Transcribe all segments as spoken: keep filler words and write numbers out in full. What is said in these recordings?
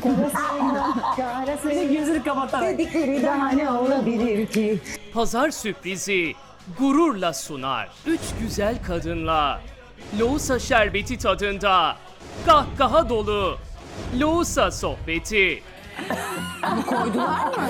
Kara sevda. Gözünü kapatarak. Dedikleri daha ne olabilir ki? Pazar sürprizi gururla sunar. Üç güzel kadınla Lohusa şerbeti tadında kahkaha dolu Lohusa sohbeti. Koydular mı?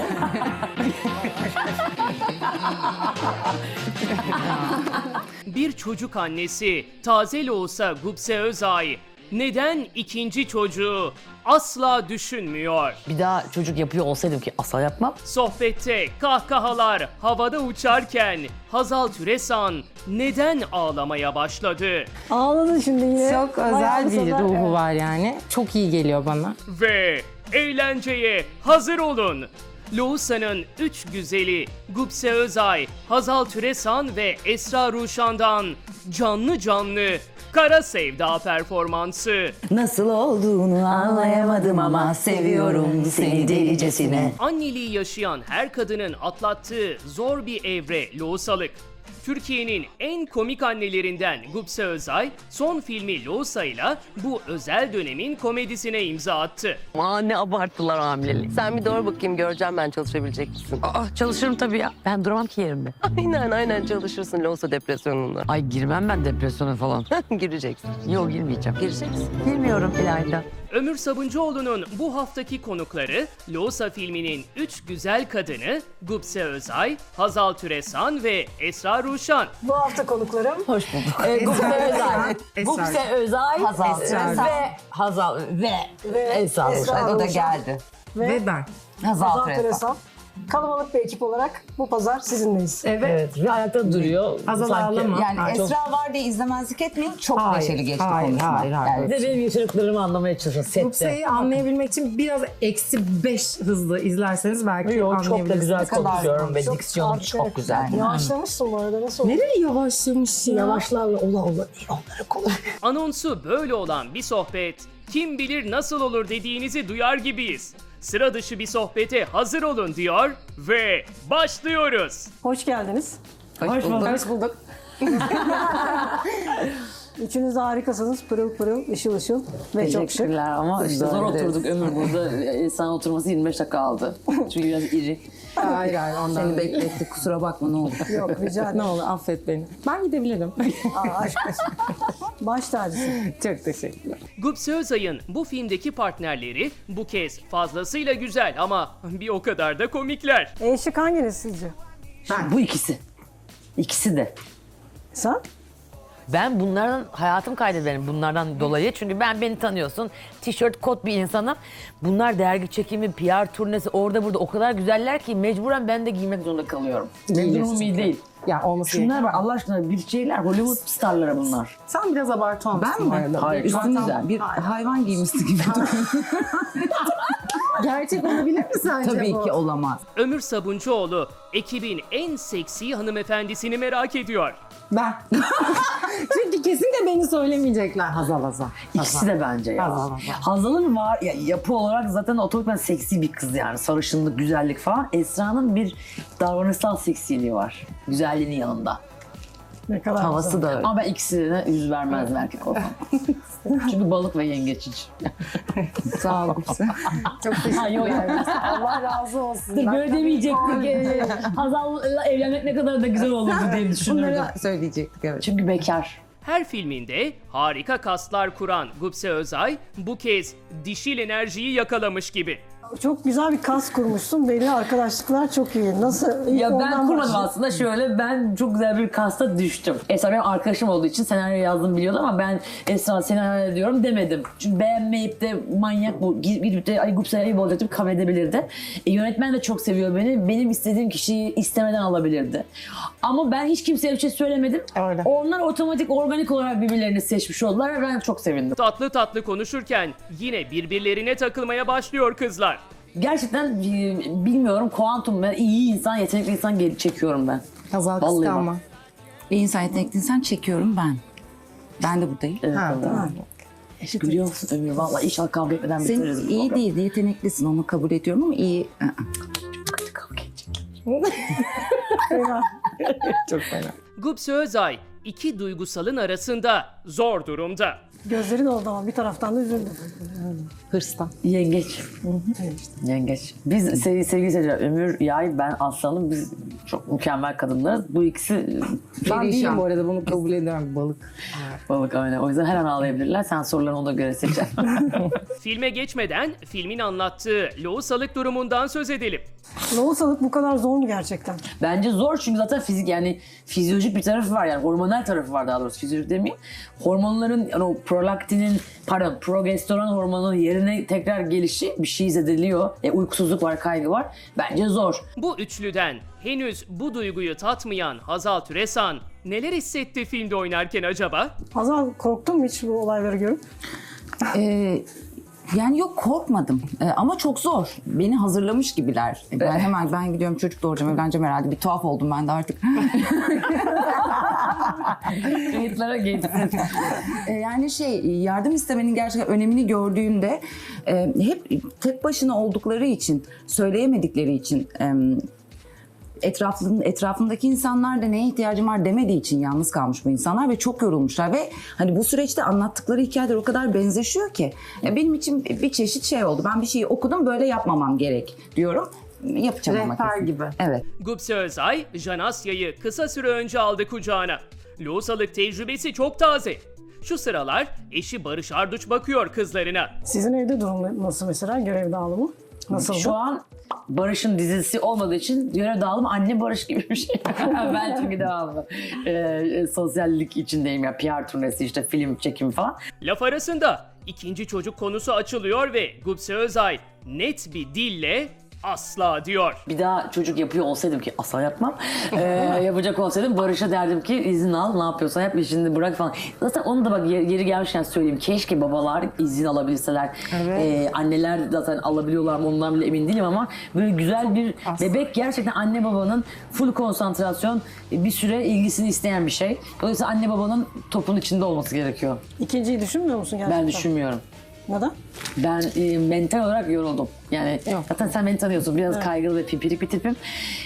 Bir çocuk annesi taze Lohusa Gupse Özay neden ikinci çocuğu asla düşünmüyor? Bir daha çocuk yapıyor olsaydım ki asla yapmam. Sohbette kahkahalar havada uçarken Hazal Türesan neden ağlamaya başladı? Ağladın şimdi yine. Çok Bayağı özel bir sana- ruhu evet. var yani. Çok iyi geliyor bana. Ve eğlenceye hazır olun. Lohusa'nın üç güzeli Gupse Özay, Hazal Türesan ve Esra Ruşan'dan canlı canlı Kara Sevda performansı. Nasıl olduğunu anlayamadım ama seviyorum seni delicesine. Anneliği yaşayan her kadının atlattığı zor bir evre lohusalık. Türkiye'nin en komik annelerinden Gupse Özay, son filmi Lohusa'yla bu özel dönemin komedisine imza attı. Aa ne abarttılar hamileliği. Sen bir doğru bakayım, göreceğim ben çalışabilecek misin? Aa çalışırım tabii ya. Ben duramam ki yerimde. Aynen aynen çalışırsın Lohusa depresyonunda. Ay girmem ben depresyona falan. Gireceksin. Yok girmeyeceğim. Gireceksin. Girmiyorum İlayda. Ömür Sabuncuoğlu'nun bu haftaki konukları Lohusa filminin üç güzel kadını Gupse Özay, Hazal Türesan ve Esra Ruşan. Bu hafta konuklarım. Hoş bulduk. Gupse Özay. Gupse Özay. Hazal. Ve Hazal. Ve, Ve Esra. Esra O da Ruşan. geldi. Ve, ben. Hazal Hazal Türesan. Teresan. Kalabalık bir ekip olarak bu pazar sizinleyiz. Evet. Ve ayakta duruyor. Azal Sanki- ağlama. Yani Ha, çok- Esra var diye izlemezlik etmeyin. Çok Hayır, neşeli geçti hayır, konuşma. hayır, hayır. Yani Bir de benim yaşadıklarımı anlamaya çalışın sette. Gupse'yi anlayabilmek için biraz eksi beş hızlı izlerseniz belki Yok, çok da anlayabilirsiniz. güzel kadar konuşuyorum ve Çok diksiyonum harika. çok güzel. Yavaşlamışsın bu arada, nasıl oldu? Nereye yavaşlamış ya? Yavaşlarla ola ola onları konuş. Anonsu böyle olan bir sohbet, kim bilir nasıl olur dediğinizi duyar gibiyiz. Sıra dışı bir sohbete hazır olun diyor ve başlıyoruz. Hoş geldiniz. Hoş bulduk. Hoş bulduk. Üçünüz de harikasınız. Pırıl pırıl, ışıl ışıl ve çok şık. Teşekkürler ama işte zor oturduk Ömür burada. İnsan oturması yirmi beş dakika aldı. Çünkü biraz iri. Hayır hayır ondan. seni beklettik, kusura bakma ne olur. Yok, rica ederim. Ne olur affet beni. Ben gidebilirim. Aa, aşk olsun. Baş tacısın. Çok teşekkürler. Gupse Özay'ın bu filmdeki partnerleri bu kez fazlasıyla güzel ama bir o kadar da komikler. En şık hanginiz sizce? Bu ikisi. İkisi de. Sen? Ben bunlardan hayatım kaydederim bunlardan dolayı. Çünkü ben beni tanıyorsun. Tişört, kot bir insanım. Bunlar dergi çekimi, P R turnesi orada burada o kadar güzeller ki mecburen ben de giymek zorunda kalıyorum. Benim durumum iyi değil. Ya olması Şunlar gerekiyor. var Allah aşkına bir şeyler Hollywood starları bunlar. Sen biraz abartı olmuşsun. Ben mi? Hayır, Üstün zaten- güzel. Bir hayvan giymişsin gibi duruyor. Gerçek olabilir mi sence Tabii bu? ki olamaz. Ömür Sabuncuoğlu ekibin en seksi hanımefendisini merak ediyor. Ben. Çünkü kesin de beni söylemeyecekler. Hazal Hazal. İkisi de bence ya. Hazal, Hazal. Hazal'ın var ya, yapı olarak zaten otomatikman seksi bir kız yani. Sarışınlık, güzellik falan. Esra'nın bir davranışsal seksiliği var. Güzelliğinin yanında. Ne kadar Havası da öyle. Ama ben ikisine yüz vermezdim erkek olsam. Çünkü balık ve yengeç için. Sağ ol. Çok teşekkürler. Allah razı olsun. Ben Böyle demeyecektik. Ee, Hazal'la evlenmek ne kadar da güzel olurdu diye düşünürdüm. bunları söyleyecektik evet. Çünkü bekar. Her filminde harika kaslar kuran Gupse Özay bu kez dişil enerjiyi yakalamış gibi. Çok güzel bir kas kurmuşsun. Belli arkadaşlıklar çok iyi. Nasıl? Ya ben Ondan kurmadım başlayayım. aslında şöyle ben çok güzel bir kasta düştüm. Esra benim arkadaşım olduğu için senaryo yazdım biliyordu ama ben Esra senaryo ediyorum demedim. Çünkü beğenmeyip de manyak bu gidip de ay Gupse'ye ayıp olacaktım kabul edebilirdi. E, yönetmen de çok seviyor beni. Benim istediğim kişiyi istemeden alabilirdi. Ama ben hiç kimseye bir şey söylemedim. Öyle. Onlar otomatik organik olarak birbirlerini seçmiş oldular ve ben çok sevindim. Tatlı tatlı konuşurken yine birbirlerine takılmaya başlıyor kızlar. Gerçekten e, bilmiyorum kuantum ben iyi insan yetenekli insan geri çekiyorum ben. Hazal Vallahi kıskanma. bak. Bir insan yetenekliysen çekiyorum ben. Ben de buradayım. Evet, Ha, tamam. Gülüyor musun Ömür? Vallahi inşallah kavga etmeden bitiririz. Sen bu iyi programı. değil, yeteneklisin onu kabul ediyorum ama iyi. Aa, Kavga edecek. Çok fena. Gupse Özay iki duygusalın arasında zor durumda. Gözleri doldu ama bir taraftan da üzüldüm. Hırstan. Yengeç. Yengeç. Biz sevgili, sevgili seyirciler, Ömür, Yay, ben Aslanım, biz çok mükemmel kadınlarız. Bu ikisi Ben değilim bu arada, bunu kabul ediyorum. Balık. balık aynen. O yüzden her an ağlayabilirler. Sen sorularını ona göre seçeceksin. Filme geçmeden filmin anlattığı lohusalık durumundan söz edelim. Lohusalık bu kadar zor mu gerçekten? Bence zor çünkü zaten fizik, yani fizyolojik bir tarafı var, yani hormonal tarafı var, daha doğrusu fizyolojik demeyeyim. Hormonların, yani o prolaktinin, pardon progesteron hormonunun yerine tekrar gelişi bir şey zediliyor. E, uykusuzluk var, kaygı var. Bence zor. Bu üçlüden henüz bu duyguyu tatmayan Hazal Türesan neler hissetti filmde oynarken acaba? Hazal, korktun mu hiç bu olayları görüp? Ee, yani yok, korkmadım. Ee, ama çok zor. Beni hazırlamış gibiler. Ben hemen ben gidiyorum, çocuk doğuracağım, evleneceğim herhalde. Bir tuhaf oldum ben de artık. Kayıtlara geçsin. Ee, yani şey, yardım istemenin gerçekten önemini gördüğünde e, hep tek başına oldukları için, söyleyemedikleri için, e, etrafın, etrafındaki insanlar da neye ihtiyacım var demediği için yalnız kalmış bu insanlar ve çok yorulmuşlar ve hani bu süreçte anlattıkları hikayeler o kadar benzeşiyor ki ya benim için bir çeşit şey oldu. Ben bir şeyi okudum, böyle yapmamam gerek diyorum. Yapacağım ama Rehber kesin. gibi. Evet. Gupse Özay, Jan Asya'yı kısa süre önce aldı kucağına. Lohusalık tecrübesi çok taze. Şu sıralar eşi Barış Arduç bakıyor kızlarına. Sizin evde durum nasıl mesela? Görev dağılımı nasıl? Şu an Barış'ın dizisi olmadığı için görev dağılımı anne Barış gibi bir şey. Ben çünkü devamlı e, sosyallik içindeyim ya. P R turnesi, işte film çekimi falan. Laf arasında ikinci çocuk konusu açılıyor ve Gupse Özay net bir dille asla diyor. Bir daha çocuk yapıyor olsaydım, ki asla yapmam. Ee, yapacak olsaydım Barış'a derdim ki izin al, ne yapıyorsan yap, işini bırak falan. Zaten onu da bak yeri gelmişken söyleyeyim. Keşke babalar izin alabilseler. Evet. Ee, anneler zaten alabiliyorlar mı ondan bile emin değilim ama böyle güzel bir Asla. bebek gerçekten anne babanın full konsantrasyon, bir süre ilgisini isteyen bir şey. Dolayısıyla anne babanın topun içinde olması gerekiyor. İkinciyi düşünmüyor musun gerçekten? Ben düşünmüyorum. Neden? Ben e, mental olarak yoruldum. Yani zaten sen beni tanıyorsun. Biraz kaygılı ve pimpirik bir tipim.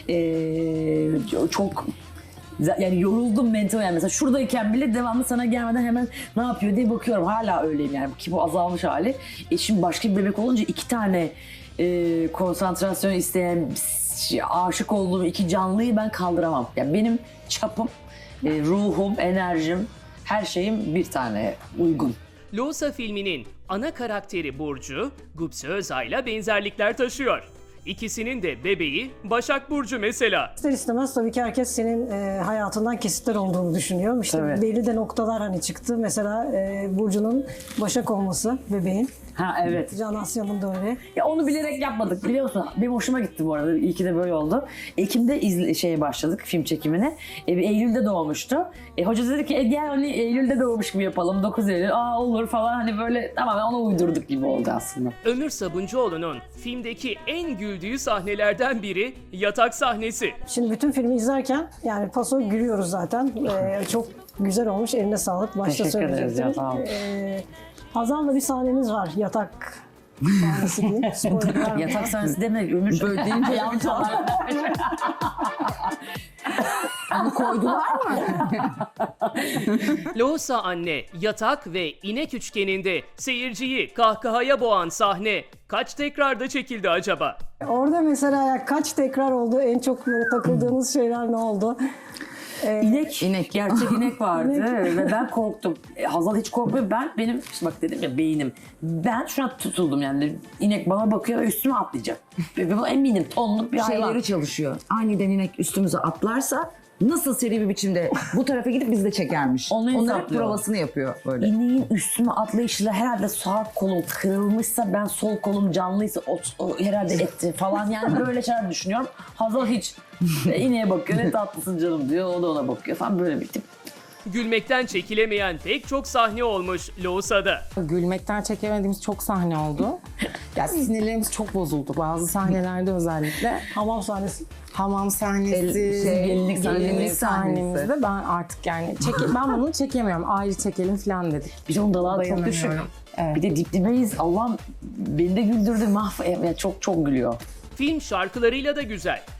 E, çok yani yoruldum mental, yani mesela şuradayken bile devamlı sana gelmeden hemen ne yapıyor diye bakıyorum. Hala öyleyim yani, ki bu azalmış hali. E şimdi başka bir bebek olunca iki tane e, konsantrasyon isteyen, aşık olduğum iki canlıyı ben kaldıramam. Yani benim çapım, e, ruhum, enerjim, her şeyim bir tane uygun. Lohusa filminin ana karakteri Burcu, Gupse Özay'la benzerlikler taşıyor. İkisinin de bebeği Başak Burcu mesela. İster istemez tabii ki herkes senin e, hayatından kesitler olduğunu düşünüyor. İşte Tabii. belli de noktalar hani çıktı. Mesela e, Burcu'nun Başak olması bebeğin. Ha evet. Can Asya'nın da öyle. Ya onu bilerek yapmadık, biliyor musun? Benim hoşuma gitti bu arada. İyi ki de böyle oldu. Ekim'de izle, şeye başladık, film çekimine. E, Eylül'de doğmuştu. E, hoca dedi ki e, gel hani Eylül'de doğmuş gibi yapalım. dokuz Eylül. Aa olur falan, hani böyle tamamen ona uydurduk gibi oldu aslında. Ömür Sabuncuoğlu'nun filmdeki en güldüğü sahnelerden biri yatak sahnesi. Şimdi bütün filmi izlerken yani paso gülüyoruz zaten. E, çok güzel olmuş. Eline sağlık. Başta Teşekkür ederiz söyleyecektim. ya, sağ ol. E, Hazal'la bir sahneniz var. Yatak sahnesi diyeyim. Spoiler vermeyeyim. Yatak sahnesi demek Ömür. Böyle deyince yanlış Onu koydular mı? Lohusa anne, yatak ve inek üçgeninde seyirciyi kahkahaya boğan sahne kaç tekrarda çekildi acaba? Orada mesela ya kaç tekrar oldu? En çok böyle takıldığınız şeyler ne oldu? İnek, İnek. gerçek inek vardı ve ben korktum. E, Hazal hiç korkmuyor. Ben, benim işte bak dedim ya, beynim. Ben şuna tutuldum yani. İnek bana bakıyor ve üstüme atlayacak. Ve buna eminim, tonluk bir hayvan. Şeyleri çalışıyor. Aniden inek üstümüze atlarsa nasıl seri bir biçimde bu tarafa gidip bizi de çekermiş. Onu Onların hesaplıyor. provasını yapıyor böyle. İneğin üstüme atlayışıyla herhalde sağ kolum kırılmışsa, ben sol kolum canlıysa o, o herhalde etti falan, yani böyle şeyler düşünüyorum. Hazal hiç e, ineğe bakıyor, ne tatlısın canım diyor, o da ona bakıyor falan, böyle bir tip. Gülmekten çekilemeyen pek çok sahne olmuş Lohusa'da. Gülmekten çekemediğimiz çok sahne oldu. Ya sinirlerimiz çok bozuldu. Bazı sahnelerde özellikle. Hamam sahnesi. Hamam sahnesi, El- şey, gelinlik, gelinlik sahnemizde ben artık yani çeke, ben bunu çekemiyorum. Ayrı çekelim falan dedik. Bir de onun dalağı çok düşük. Dayanamıyorum. Evet. Bir de dip dibeyiz. Allah'ım beni de güldürdü. Mahv yani çok çok gülüyor. Film şarkılarıyla da güzel.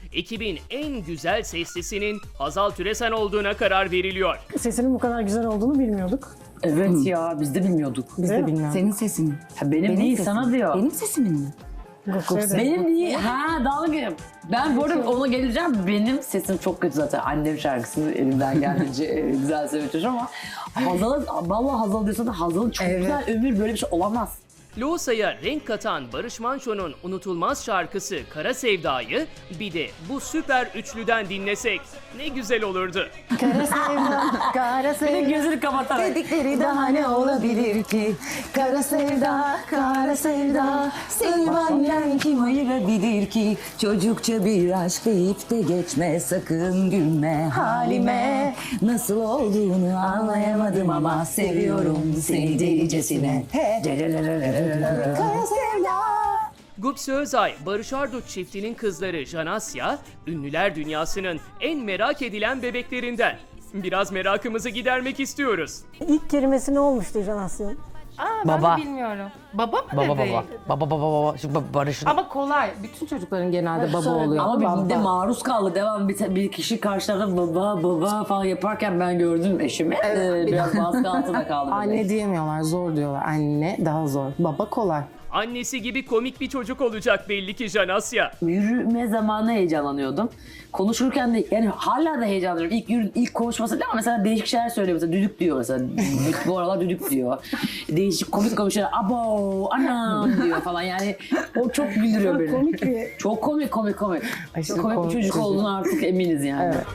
ekibin en güzel seslisinin Hazal Türesen olduğuna karar veriliyor. Sesinin bu kadar güzel olduğunu bilmiyorduk. Evet ya biz de bilmiyorduk. Biz de bilmiyoruz. Senin sesin. Ha, benim, değil sesim. sana diyor. Benim sesimin mi? Benim değil. Ha dalga geçiyorum. Ben bu arada ona geleceğim. Benim sesim çok kötü zaten. Annem şarkısını elimden geldiğince e, güzel söylüyor ama Hazal'ın, vallahi Hazal diyorsa da Hazal'ın çok Evet. güzel ömür böyle bir şey olamaz. Loğusa'ya renk katan Barış Manço'nun unutulmaz şarkısı Kara Sevda'yı bir de bu süper üçlüden dinlesek ne güzel olurdu. Kara sevda, kara Bir de sevda. gözünü kapatarak. Dedikleri daha ne olabilir ki? Kara sevda, kara sevda. Seni benden kim ayırabilir ki? Çocukça bir aşk deyip de geçme, sakın gülme halime. Nasıl olduğunu anlayamadım ama seviyorum seni delicesine. Kara sevda. Gupse Özay, Barış Arduç çiftinin kızları Janasya, ünlüler dünyasının en merak edilen bebeklerinden. Biraz merakımızı gidermek istiyoruz. İlk kelimesi ne olmuştu Can Asya'nın? Aa, Baba. Ben de bilmiyorum. Baba mı Baba dedi? baba. Baba baba baba. Şimdi baba- Barış'ın. Ama kolay. Bütün çocukların genelde baba oluyor. Ama bir de maruz kaldı. Devam bir, bir kişi karşılarında baba baba falan yaparken ben gördüm eşimi. Ee, biraz baskı altında kaldı. Anne diyemiyorlar, zor diyorlar. Anne daha zor. Baba kolay. Annesi gibi komik bir çocuk olacak belli ki Janasya. Yürüme zamanı heyecanlanıyordum. Konuşurken de yani hala da heyecanlanıyorum. İlk yürü, ilk konuşması ama mesela değişik şeyler söylüyor. Mesela düdük diyor mesela. Düdük, bu aralar düdük diyor. Değişik komik komik şeyler. Abo, anam diyor falan. Yani o çok güldürüyor beni. Komik bir... Çok komik komik komik. Aşırı Çok komik bir komik çocuk çocuk. olduğunu artık eminiz yani. Evet.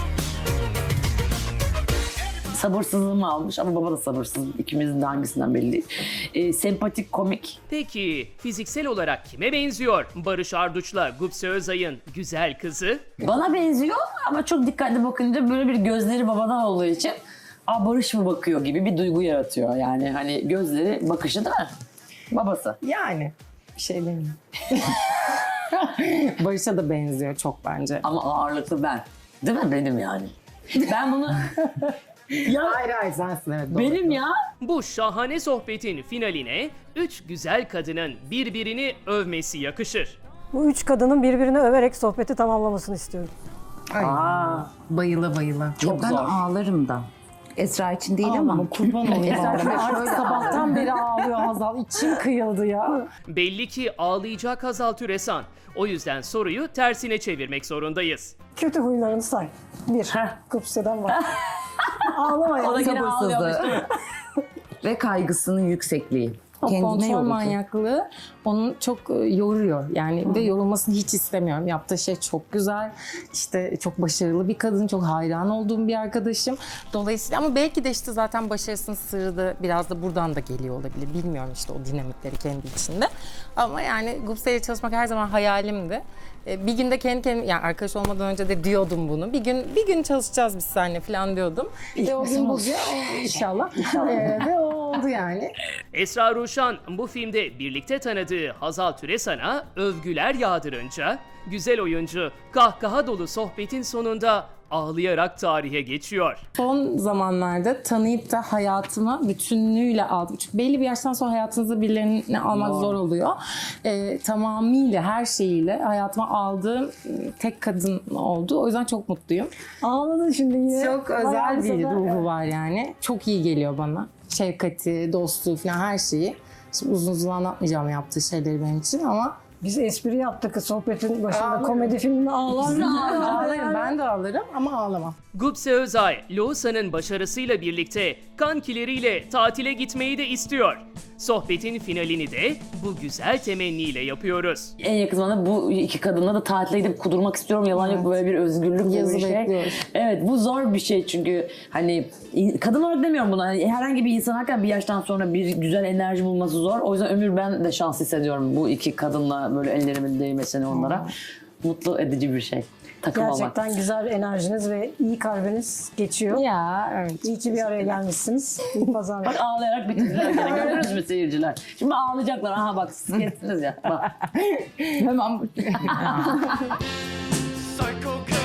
Sabırsızlığımı almış ama baba da sabırsız. İkimizin de hangisinden belli değil. Ee, sempatik, komik. Peki fiziksel olarak kime benziyor Barış Arduç'la Gupse Özay'ın güzel kızı? Bana benziyor ama çok dikkatli bakınca böyle bir gözleri babadan olduğu için Aa, Barış mı bakıyor gibi bir duygu yaratıyor. Yani hani gözleri, bakışı değil mi? Babası. Yani bir şey demeyeyim. Barış'a da benziyor çok bence. Ama ağırlıklı ben. Değil mi? Benim yani. Ben bunu... ya Hayır hayır sensin evet. Doğru. benim ya. Bu şahane sohbetin finaline üç güzel kadının birbirini övmesi yakışır. Bu üç kadının birbirini överek sohbeti tamamlamasını istiyorum. Ay, Aa, bayıla bayıla. çok Ben zor. ağlarım da. Esra için değil ama. Kurban olayım. Artık sabahtan beri ağlıyor Hazal. İçim kıyıldı ya. Belli ki ağlayacak Hazal Türesan. O yüzden soruyu tersine çevirmek zorundayız. Kötü huylarını say. Bir, Heh. Kupse'den var. Ağlama ya. O da gene ağlıyor. Sabırsızlığı. Ve kaygısının yüksekliği. O Kendine kontrol yorucu. manyaklığı onu çok e, yoruyor. Yani bir de yorulmasını hiç istemiyorum. Yaptığı şey çok güzel. İşte çok başarılı bir kadın. Çok hayran olduğum bir arkadaşım. Dolayısıyla ama belki de işte zaten başarısının sırrı da biraz da buradan da geliyor olabilir. Bilmiyorum işte o dinamikleri kendi içinde. Ama yani Gupse ile çalışmak her zaman hayalimdi. E, Bir günde kendi kendime, yani arkadaş olmadan önce de diyordum bunu. Bir gün bir gün çalışacağız biz seninle falan diyordum. Ve o gün bugün inşallah. E, ve o oldu yani. Esra Ruşan bu filmde birlikte tanıdığı Hazal Türesan'a övgüler yağdırınca güzel oyuncu kahkaha dolu sohbetin sonunda ağlayarak tarihe geçiyor. Son zamanlarda tanıyıp da hayatıma bütünlüğüyle aldım. Çünkü belli bir yaştan sonra hayatınızda birilerini almak zor oluyor. Ee, tamamıyla her şeyiyle hayatıma aldığım tek kadın oldu. O yüzden çok mutluyum. Ağladın şimdi yine. Çok özel Bayağı bir sefer- ruhu var yani. Çok iyi geliyor bana. Şefkati, dostluğu falan her şeyi. Şimdi uzun uzun anlatmayacağım yaptığı şeyleri benim için ama Biz espri yaptık sohbetin başında. Komedi filminde ağlar. ağlarım. Ben de ağlarım ama ağlamam. Gupse Özay, Loğusa'nın başarısıyla birlikte kankileriyle tatile gitmeyi de istiyor. Sohbetin finalini de bu güzel temenniyle yapıyoruz. En yakın zamanda bu iki kadınla da tatile gidip kudurmak istiyorum. Yalan yok, böyle bir özgürlük gibi Yazı bir şey. bekliyoruz. Evet, bu zor bir şey çünkü hani in- kadın olarak demiyorum bunu. Hani herhangi bir insan hakikaten bir yaştan sonra bir güzel enerji bulması zor. O yüzden ömür ben de şans hissediyorum bu iki kadınla böyle ellerimin değmesini onlara. Mutlu edici bir şey. Takım olmak. Gerçekten güzel enerjiniz ve iyi kalbiniz geçiyor. Ya evet. İyi ki bir araya gelmişsiniz. İyi pazarlar. Bak ağlayarak bitirdiler gene. Görüyoruz mu seyirciler? Şimdi ağlayacaklar. Aha bak siz kestiniz ya. Bak. Hemen Psycho